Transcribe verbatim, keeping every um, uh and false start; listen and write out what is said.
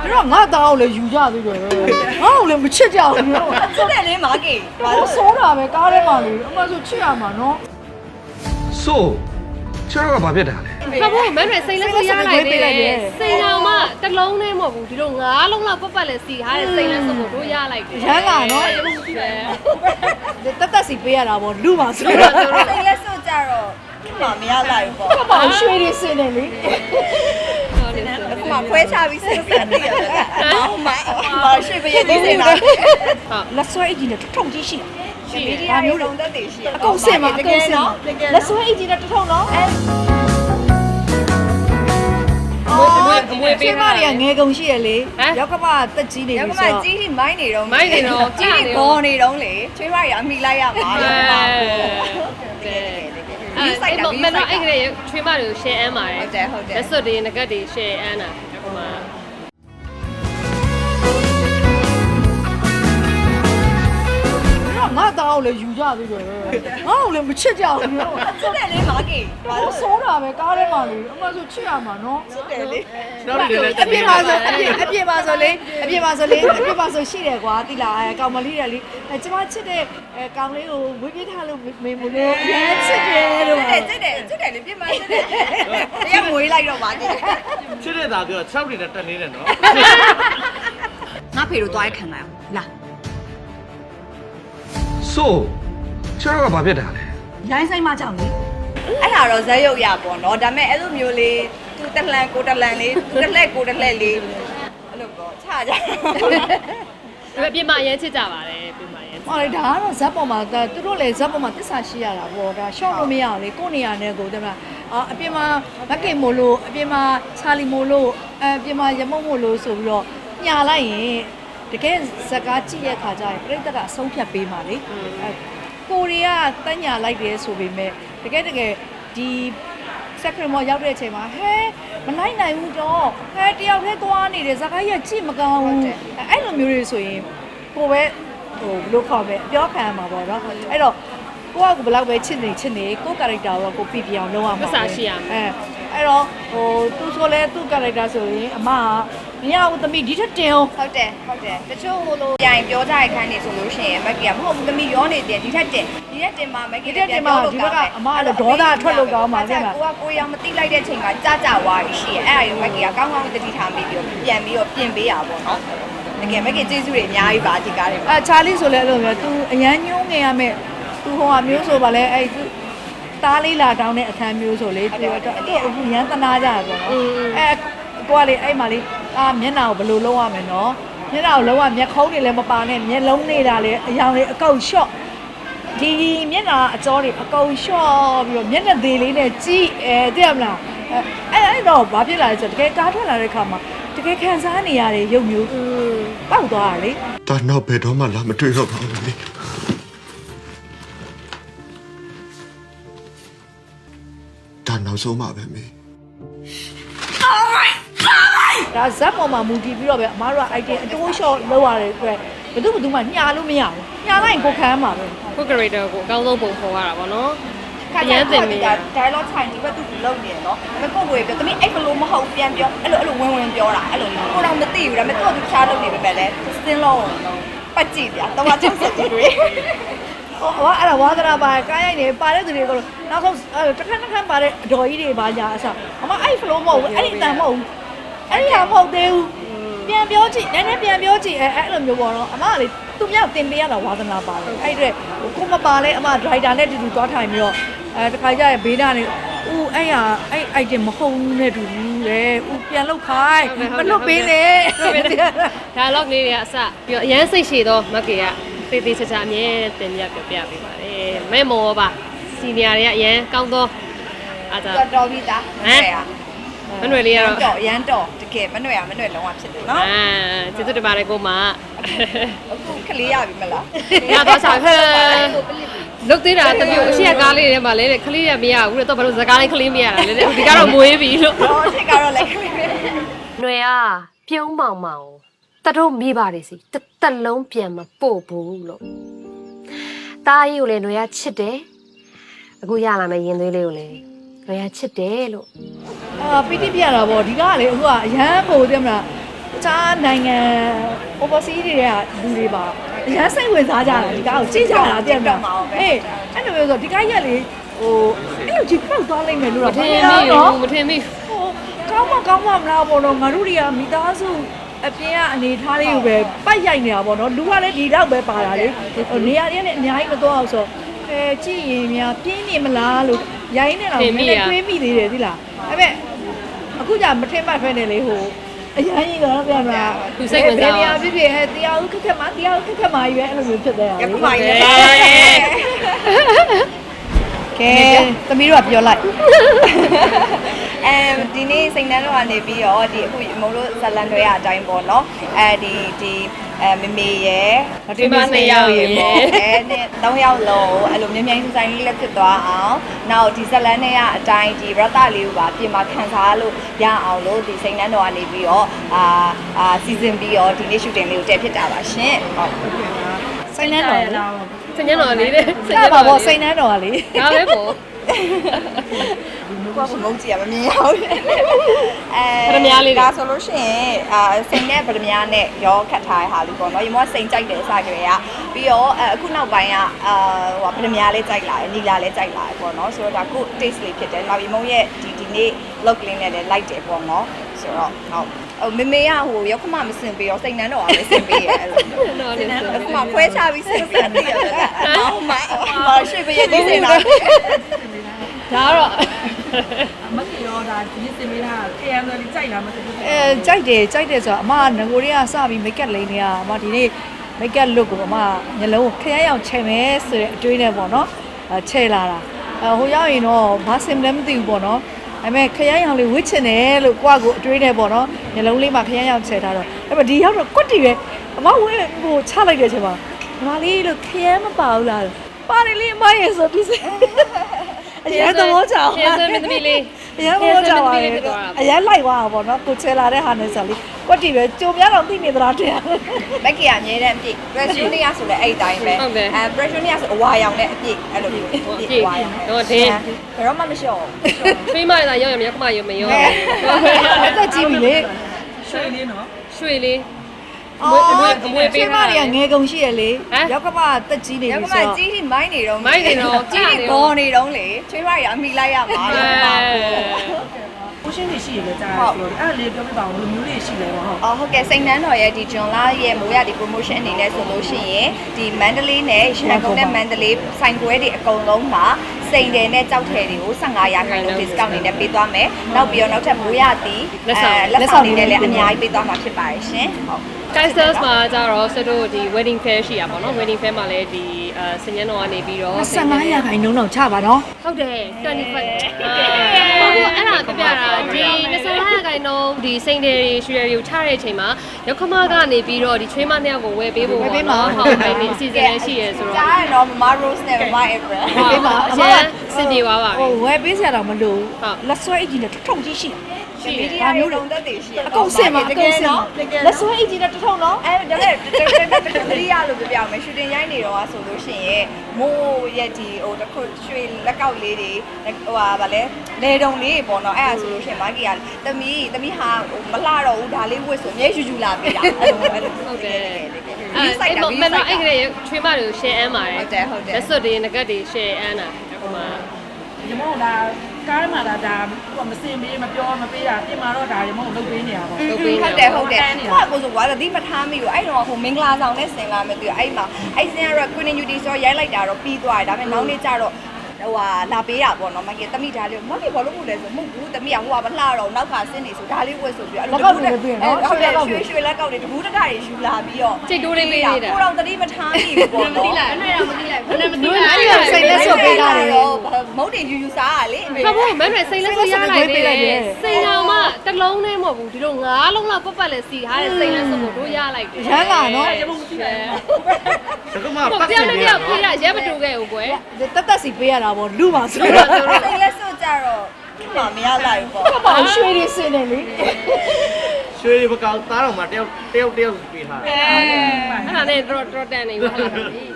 တော့ငါသားကိုလည်းယူကြသေးတယ်ငါ့ကိုလည်းမချစ်ကြဘူးစစ်တယ်လေမာကီဘာလို့စိုးတာပဲကားထဲမှာလေအမှဆိုချစ်ရမှာနော်ဆိုချစ်တော့ကဘာဖြစ်တာလဲဘာလို့မင်းတွေစိတ်လက်စရလိုက်သေးလဲစိတ်တော်မှတစ်လုံးနဲ့မဟုတ်ဘူးဒီလိုငါးလုံးလောက်ပတ်ပတ်လဲစီထားတဲ့စိတ်လက်စကိုတို့ရလိုက်တယ်ရမ်းလာနော်တက်တက်စီပေးရတာပေါ့လူပါဆိုတော့စိတ်လက်စွကြတော့မမရလိုက်ဘူးပေါ့ဘာရွှေတွေစင်တယ်လေအခုမှခွဲချပြီးစိတ်ဆက်နေရတယ်ဘာမှမရွှေပြည့်နေနေတာလက်ဆွဲအကြီးနဲ့ထုံကြီးရှိရှိမီဒီယာမျိုးလုံးသက်တည်ရှိအကုန်စင်မှာအကုန်စင်မှာလက်ဆွဲအကြီးနဲ့ထုံနော်မွေးမွေးပေးတာတွေကငယ်ကုန်ရှိရလေရောက်ကမတက်ကြီးနေပြီဆိုတော့ရောက်ကမကြီးကြီးမိုင်းနေတော့မိုင်းနေတော့ကြီးကြီးဘောနေတော့လေချွေးမရအမိလိုက်ရမှာပါအဲ့ဆိုင်တာမနော်အဲ့ကလေးချွေးမတွေကို share အမ်းပါတယ်ဟုတ်တယ်ဟုတ်တယ်လက်စွပ်တွေငကတ်တွေ share အမ်းတာဟိုမှာငါသားကိုလည်းယူကြသေးတယ်ငါ့ကိုလည်းမချစ်ကြဘူးစစ်တယ်လေမာကီဘာလို့စိုးတာပဲကားထဲမှာလေအမှဆိုချစ်ရမှာနော်စစ်တယ်လေကျွန်တော်တို့လည်းအပြစ်ပါဆိုအပြစ်အပြစ်ပါဆိုလေအပြစ်ပါဆိုလေအပြစ်ပါဆိုရှိတယ်ကွာတိလာအဲကောင်မလေးတယ်လေအဲကျမချစ်တဲ့အဲကောင်လေးကိုဝေးပြေးထားလို့မေမလို့ရဲချစ်တယ်လို့စစ်တယ်စစ်တယ်လေပြစ်မစစ်တယ်တရားမွေးလိုက်တော့မာကီချစ်တဲ့သားပြော၆တွေနဲ့တက်နေတယ်နော်ငါဖေတို့သွားရခံလိုက်အောင်လာဆိုချစ်တော့ကဘာဖြစ်တာလဲရိုင်းဆိုင်မှကြောင့်လေအဲ့ဒါတော့ဇက်ရုပ်ရပေါ့နော်ဒါပေမဲ့အဲ့လိုမျိုးလေးသူတလှန်ကိုတလှန်လေးသူတလှက်ကိုတလှက်လေးအဲ့လိုပေါ့ချကြဒါပြမရဲချစ်ကြပါတယ်ပြမရဲဟောလေဒါကတော့ဇက်ပေါ်မှာသူတို့လည်းဇက်ပေါ်မှာတစ္ဆာရှိရတာပေါ့ဒါရှော့လို့မရဘူးလေကိုနေရနဲ့ကိုတဲ့မလားအာအပြင်မှာမက်ကင်မို့လို့အပြင်မှာချာလီမို့လို့အပြင်မှာရမုံမို့လို့ဆိုပြီးတော့ညာလိုက်ရင်တကယ်ဇက်ကားကြည့်ရခါကျရင်ပြိတ္တကအဆုံးဖြတ်ပေးမှာလေကိုရီးယားတညာလိုက်တယ်ဆိုပေမဲ့တကယ်တကယ်ဒီစက်ခရမောရောက်တဲ့အချိန်မှာဟဲမနိုင်နိုင်ဘူးတော့ဟဲတယောက်တည်းသွားနေတယ်ဇက်ကားကြီးကြည့်မကောင်းဘူးအဲ့လိုမျိုးတွေဆိုရင်ကိုပဲဟိုဘလို့ခေါ်ပဲပြောခံရမှာပေါ့နော်အဲ့တော့ကိုကဘယ်လောက်ပဲချစ်နေချစ်နေကိုကာရက်တာကိုကိုပြပြအောင်လုပ်ရမှာမစားရှိရအဲအဲ့တော့ဟိုသူဆိုလဲသူကာရက်တာဆိုရင်အမကမရဘူးသမီးဒီထက်တင်အောင်ဟုတ်တယ်ဟုတ်တယ်တချို့ဟိုလိုပြန်ပြောကြရခိုင်းနေဆိုလို့ရှိရင်မက်ကီကမဟုတ်ဘူးသမီးရောနေတယ်ဒီထက်တင်ဒီထက်တင်မှာမက်ကီတက်တင်မှာဒီဘက်ကအမကလည်းဒေါသထွက်လို့ကောင်းပါလေကကိုကကိုရောင်မတိလိုက်တဲ့အချိန်ကကြကြဝါးရှိရဲ့အဲ့အရင်မက်ကီကကောင်းကောင်းတတိထားပြီးပြီးပြန်ပြီးတော့ပြင်ပေးရပါတော့နော်တကယ်မက်ကီကျေးဇူးတွေအများကြီးပါဒီကားတွေအဲချာလီဆိုလဲအဲ့လိုမျိုး तू အရန်ညှိုးငယ်ရမယ်သူဟိုဟာမျိုးဆိုပါလဲအဲ့သူတားလေးလာတောင်းတဲ့အခန်းမျိုးဆိုလေသူတော့အခုရန်တနာကြရပေါ့နော်အဲကိုကလေအဲ့မှာလေအာမျက်နှာကိုဘယ်လိုလုပ်ရမလဲနော်မျက်နှာကိုလုံးဝမျက်ခုံးတွေလည်းမပါနဲ့မျက်လုံးနေတာလေအယောင်လေးအကုတ်လျှော့ဒီမျက်နှာအကြောတွေအကုတ်လျှော့ပြီးတော့မျက်နှာသေးလေးနဲ့ကြည့်အဲသိရမလားအဲအဲ့တော့ဘာဖြစ်လာလဲဆိုတော့တကယ်ကားထွက်လာတဲ့ခါမှာတကယ်ခံစားနေရတဲ့ရုပ်မျိုးပေါက်သွားတာလေဒါနောက်ဘယ်တော့မှလာမတွေ့တော့ပါဘူးလေဒါနောက်ဆုံးမှပဲမေဒါဇက်ပေါ်မှာမူတည်ပြီးတော့ပဲအမားတို့က item အတိုးလျှော့လောက်ရတဲ့အတွက်ဘယ်သူမှမညာလို့မရဘူးညာလိုက်ရင်ကိုခံရမှာပဲကို character ကိုအကောင်းဆုံးပုံဖော်ရတာပေါ့နော်ခါကျရင်တင်ပြီး dialogue ထိုင်ဒီဘက်သူလုံနေတယ်နော်ဒါပေမဲ့ကိုကိုပြောတမီးအဲ့ဘလို့မဟုတ်ပြန်ပြောအဲ့လိုအဲ့လိုဝင်ဝင်ပြောတာအဲ့လိုကိုတော့မသိဘူးဒါပေမဲ့သူ့သူချားလုပ်နေပဲပဲလေစင်းလုံးပတ်ကြည့်ပြတော့မှချက်စက်ကြည့်တွေဟောအဲ့ဒါဝါသနာပါကားရိုက်နေပါတဲ့သူတွေကိုနောက်ဆုံးတစ်ခါတစ်ခါပါတဲ့အတော်ကြီးတွေပါညာအစားအမအဲ့ flow မဟုတ်ဘူးအဲ့ဒီအတန်မဟုတ်ဘူးအဲ့ဒီဟာမဟုတ်သေးဘူးပြန်ပြောကြည့်နည်းနည်းပြန်ပြောကြည့်အဲ့အဲ့လိုမျိုးပေါ့နော်အမကလေသူမြောက်တင်ပေးရတာဝါသနာပါတယ်အဲ့အတွက်ကိုမပါလဲအမ driver နဲ့တူတူသွားထိုင်ပြီးတော့အဲတခါကျရင်ဘေးကနေဦးအဲ့ဟာအဲ့ item မဟုတ်ဘူးနဲ့တူဘူးလေဦးပြန်လောက်ခိုင်းမလွတ်ပေးနဲ့ dialogue လေးတွေကအစပြီးတော့အရန်စိတ်ရှည်တော့မက်ကီကတေးသေးချာချာအမြဲတင်ပြပြပြပေးပါတယ်မဲမောပါစီနီယာတွေကအရန်ကောင်းတော့အားသာတော်ပြီသားဟဲ့မနွယ်လေးကတော့တော့ရမ်းတော့တကယ်မနွယ်ရမနွယ်လုံးဝဖြစ်တယ်နော်အာကျေးဇူးတင်ပါတယ်ကိုမအခုခလေးရပြီမလားရတော့ဆောင်ဟဲ့လုတ်သေးတာတမျိုးအရှိရကားလေးတွေမှာလဲခလေးရမရဘူးလေတော့ဘာလို့ဇကားလေးခလေးမရတာလဲဒီကတော့မွေးပြီလို့ဟောရှိကတော့လည်းခလေးနွယ်အားပြုံးမောင်မောင်တတို့မိပါတယ်စီတသက်လုံးပြန်မပို့ဘူးလို့တားကြီးကိုလည်းနွယ်ရချစ်တယ်အခုရလာမယ်ရင်သွေးလေးကိုလည်းနွယ်ရချစ်တယ်လို့အာပီတိပြရတာပေါ့ဒီကကလေအခုကအရန်ပို့တယ်မလားကြားနိုင်ငံ overseas တွေကလူတွေပါအရန်စိတ်ဝင်စားကြတာဒီကားကိုကြည့်ကြတာတဲ့မှာအေးအဲ့လိုမျိုးဆိုဒီကားရက်လေဟိုအဲ့လိုကြည့်ပောက်သွားလိမ့်မယ်လို့မတော့ထင်မိဘူးမထင်မိဟိုကောင်းမကောင်းမမလားပေါ့နော်ငါတို့တွေကမိသားစုအပြင်ကအနေထားလေးကိုပဲပိုက်ရိုက်နေတာပေါ့နော်လူကလည်းဒီတော့ပဲပါတာလေနေရာတွေနဲ့အများကြီးမသွားအောင်ဆိုအဲကြည့်ရင်များပြင်းနေမလားလို့ရိုင်းနေတာကိုလည်းတွေးမိသေးတယ်သိလားအဲ့မဲ့အခုじゃမထင်မှတ်ဖဲနေလေဟိုအရင်ကြီးတော့ပြန်လာဘယ်နေရာဖြစ်ဖြစ်ဟဲ့တရားဦးခက်ခက်မှာတရားဦးခက်ခက်မှာကြီးပဲအဲ့လိုမျိုးဖြစ်သွားတာရခုမှရပါရဲ့ကဲသမီးတို့ကပြောလိုက်အဲဒီနေ့စိတ်နှမ်းတော့ကနေပြီးတော့ဒီအခုမုံလို့ဇလန်တွေအတိုင်းပေါ့နော်အဲဒီဒီအဲမမေရဲ့ဒီမနှစ်ယောက်ရေပေါ့အဲနဲ့သုံးယောက်လုံးအဲ့လိုမြင်းမြင်းဆိုင်လေးလက်ဖြစ်သွားအောင်နောက်ဒီဇလန်တွေအတိုင်းဒီရတလေးကိုပါပြင်မာခံစားလို့ရအောင်လို့ဒီစိတ်နှမ်းတော့ကနေပြီးတော့အာအာစီဇန်ပြီးတော့ဒီနေ့ shooting လေးကိုတည့်ဖြစ်တာပါရှင်ဟုတ်စိတ်နှမ်းတော်စညံတော်လေးတဲ့စိတ်နှမ်းပါပေါ့စိတ်နှမ်းတော်ကလေဒါပဲပေါ့ကိုကမုန်းကြည့်ရမမြင်ရဘူးအဲဒါဆိုလို့ရှိရင်အာစိန်နဲ့ဗဒမြားနဲ့ရောခတ်ထားတဲ့ဟာလေးပေါ့နော်ရေမောစိန်ကြိုက်တယ်အစားကြရပြီးတော့အခုနောက်ပိုင်းကအာဟိုဗဒမြားလေးကြိုက်လာတယ်နီလာလေးကြိုက်လာတယ်ပေါ့နော်ဆိုတော့ဒါကို taste လေးဖြစ်တယ်နောက်ရေမုံရဲ့ဒီဒီနေ့ look လေးနဲ့လည်း like တယ်ပေါ့နော်ဆိုတော့ဟုတ်ဟိုမေမေကဟိုရောက်ခမမစင်ပေးရောစိန်နှမ်းတော့အားပဲစင်ပေးရဲအဲ့လိုနော်လေအခုမှခွဲချပြီးစင်ပေးတယ်။အော်မိုင်းမရှိဘရဲ့ဒီစင်တာဒါတော့မကီရောဒါဒီစင်မေးတာခရမ်းဆိုလေးကြိုက်လားမသိဘူးအဲကြိုက်တယ်ကြိုက်တယ်ဆိုတော့အမကငကိုတွေကစပြီး make up လိမ့်နေရအမဒီနေ့ make up look ကိုအမညလုံးကိုခရမ်းရောင်ချယ်မယ်ဆိုတဲ့အတွေးနဲ့ပေါ့နော်အဲချယ်လာတာအဲဟိုရောက်ရင်တော့ဘာစင်လဲမသိဘူးပေါ့နော်ဒါပေမဲ့ခရမ်းရောင်လေးဝစ်ချင်တယ်လို့ကိုကကိုအတွေးနဲ့ပေါ့နော်ညလုံးလေးမှာခရမ်းရောင်ချယ်ထားတော့အဲ့မဒီရောက်တော့ကွတ်တီပဲအမဝဲဟိုချလိုက်တဲ့အချိန်မှာငါလေးလို့ခရမ်းမပါဘူးလားပါတယ်လေအမရဲ့ဆိုပြီးအရင်တော့ကြောက်ရှင်းစမ်းမသမီးလေးအရင်တော့ကြောက်ပါလေအရင်လိုက်သွားတာပေါ့နော်ကိုချဲလာတဲ့ဟာနဲ့ဆိုလေကွက်တီပဲကြုံများတော့သိနေသလားတဲ့ဘက်ကီကအမြဲတမ်းအပြည့် pressure နေရဆိုလည်းအဲ့အတိုင်းပဲအဲ pressure နေရဆိုအဝါရောင်နဲ့အပြည့်အဲ့လိုမျိုးအပြည့်အဝါရောင်တော့ဒင်းဘယ်တော့မှမလျှော့ထွေးမလာရောက်ရမရောက်ခမရမရောအသက်ကြီးပြီလေရွှေလေးနော်ရွှေလေးအမွေအမွေအမွေပေးတာတွေကငယ်ကုန်ရှိရလေရောက်ကမတက်ကြီးနေရောပြီက်ကမှဆိုတော့ကြီးထိမိုင်းနေတော့မိုင်းနေတော့ကြီးထိပေါ်နေတော့လေချွေးမရအမိလိုက်ရမှာရောက်ကမှကိုရှင်းနေရှိရလေကြားဆိုတော့အဲ့လေးပြောပြပါဦးဘယ်လိုမျိုးလေးရှိလဲပေါ့ဟုတ်အော်ဟုတ်ကဲ့စိန်နှန်းတော်ရဲ့ဒီဂျွန်လာရဲ့မိုးရဒီ promotion အနေနဲ့ဆိုလို့ရှိရင်ဒီမန္တလေးနဲ့ရန်ကုန်နဲ့မန္တလေးဆိုင်ပွဲတွေအကုန်လုံးမှာစိန်တယ်နဲ့ကြောက်ထည်တွေကိုဖိုင်ရာခိုင်နှုန်း discount အနေနဲ့ပေးသွားမယ်နောက်ပြီးတော့နောက်ထပ်မိုးရသည်လက်ဆောင်တွေနဲ့လည်းအများကြီးပေးသွားမှာဖြစ်ပါတယ်ရှင်ဟုတ် Kaisers မှာကျတော့စတို့ဒီ wedding fair ရှိရပါတော့ wedding fair မှာလည်းဒီအဲစညံတော်ကနေပြီးတော့ဆယ်ငါးရာခိုင်နှုန်းတော့ချပါနော်ဟုတ်တယ်25ဟုတ်အဲ့ဒါပြပြတာဒီ25ရာခိုင်နှုန်းဒီစိန်တွေရွှေရီကိုချတဲ့အချိန်မှာရောက်ခမကနေပြီးတော့ဒီချွေးမနှစ်ယောက်ကိုဝယ်ပေးဖို့ပေါ့နော်ဟုတ်အဲ့ဒီအစီအစဉ်လည်းရှိရဲဆိုတော့ကြားရတော့မမ Rose နဲ့မမ April ပေးပါအရင်စင်ပြေသွားပါပြီဟိုဝယ်ပေးစရာတော့မလိုဟုတ်လက်ဆွဲအကြီးနဲ့ထုံကြီးရှိရှိမီဒီယာတွေလုံးသက်တည်ရှိရအကုန်စင်ပါအကုန်စင်ပါလက်ဆွဲအကြီးနဲ့ထုံနော်အဲဒါလည်းတတိယလို့ပြောပြအောင်မယ်ရှူတင်ရိုက်နေတော့ဆိုလို့ရှိရင်မိုးရဲ့ဒီဟိုတခုရွှေလက်ကောက်လေးတွေဟိုဟာဗာလဲလေတုံလေးပေါ့နော်အဲ့ဒါဆိုလို့ရှိရင်မာဂီကသမီးသမီးဟာမလှတော့ဘူးဒါလေးဝတ်ဆိုမြဲယူယူလာပြီလားအဲ့လိုအဲ့လိုဟုတ်တယ်ဒီစိုက်တာအဲ့ဒီမစိုနော်က်အဲ့ကတာလေးချွေးမတွေကို share အမ်းပါတယ်ဟုတ်တယ်ဟုတ်တယ်လက်စွပ်တွေငကတ်တွေ share အမ်းတာဟိုမှာရမောဒါကားမှာဒါဒါဟိုမစင်မေးမပြောမပေးတာပြင်မှာတော့ဒါရမောလုပ်ပေးနေတာပေါ့ဟုတ်တယ်ဟုတ်တယ်ဟိုကကိုဆိုကွာသတိမထားမိဘူးအဲ့တော့ဟိုမင်္ဂလာဆောင်နဲ့ဆင်လာမယ်သူအဲ့မှာအဲ့ဆင်ကတော့ Queen Beauty ဆိုရိုက်လိုက်တာတော့ပြီးသွားတယ်ဒါပေမဲ့နောက်နေ့ကျတော့ဟိုဟာလာပေးတာပေါ့နော်မကတမိဒါလေးမကဘာလို့မို့လဲဆိုမဟုတ်ဘူးတမိကဟိုကမလှတော့နောက်ကဆင်းနေဆိုဒါလေးဝတ်ဆိုပြီးအဲ့လိုဟုတ်တယ်ရွှေရွှေလက်ကောက်တွေတကူးတကတွေယူလာပြီးတော့စိတ်တိုးလေးပေးနေတာကိုတော့သတိမထားမိဘူးပေါ့နော်မသိလိုက်အဲ့ဒါမသိလိုက်ဘယ်နဲ့မသိလိုက်အဲ့ဒါစိတ်လက်ဆွဲပေးတာလေမုတ်တင်ယူယူစားရလေခဖို့မမဲစိတ်လက်စွပ်ရလိုက်တယ်စိတ်တော်မှတစ်လုံးနဲ့မဟုတ်ဘူးဒီလိုငါးလုံးလောက်ပတ်ပတ်လဲစီထားတဲ့စိတ်လက်စွပ်ကိုတို့ရလိုက်တယ်ရမ်းလာနော်ရမောမရှိတယ်这个嘛， ဟို八တယောက်十နဲ့တ年ယောက်了ပြေးရရဲမတူခဲ့ဘူးကွယ်တက်တက်စီပေးရတာပေါ့လူပါဆိုစိတော့တ်လက်စွပ်ကြတော့မမရလိုက်ဘူးပေါ့ကပါရွှေတွေစင်နေလေ学一不高，打了嘛，掉掉掉比他。 အဲ့ဒါနဲ့တော့တော့တန်နေပါလား